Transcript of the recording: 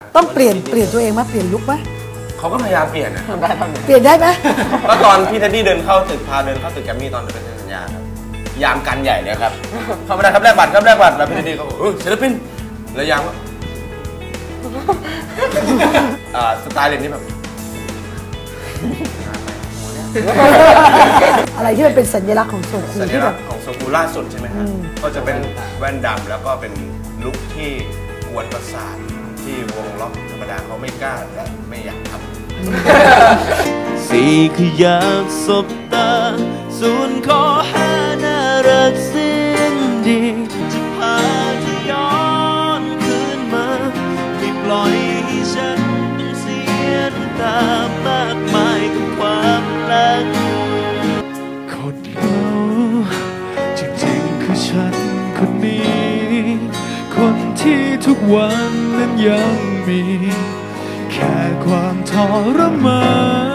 ต้องเปลี่ยนตัวเองไหมเปลี่ยนลุคไหมเขาก็พยายามเปลี่ยนนะเปลี่ยนได้ไหมก็ตอนพี่เท็ดดี้เดินเข้าตึกพาเดินเข้าตึกแกรมมี่ตอนเป็นสัญญาครับยามกันใหญ่เลยครับเข้าไม่ได้ครับแลกบัตรครับแลกบัตรแล้วพี่เท็ดดี้เขาบอกศิลปินแล้วยามว่าสไตล์เด่นนี่แบบอะไรที่มันเป็นสัญลักษณ์ของโซคูสัญลักษณ์ของโซคูล่าสุดใช่ไหมครับก็จะเป็นแว่นดำแล้วก็เป็นลุคที่กวนประสาทที่วงล็อกธรรมดาเขาไม่กล้าและไม่อยากทำสี่คืออยากสบตาส่วนข้อห้าน่ารักสิ้นดีจะพาเธอย้อนคืนมาไม่ปล่อยให้ฉันต้องเสียน้ำตามากมายกับความรักคนเราจริงๆคือฉันคนนี้คนที่ทุกวันนั้นยังมีแค่ความทรมาน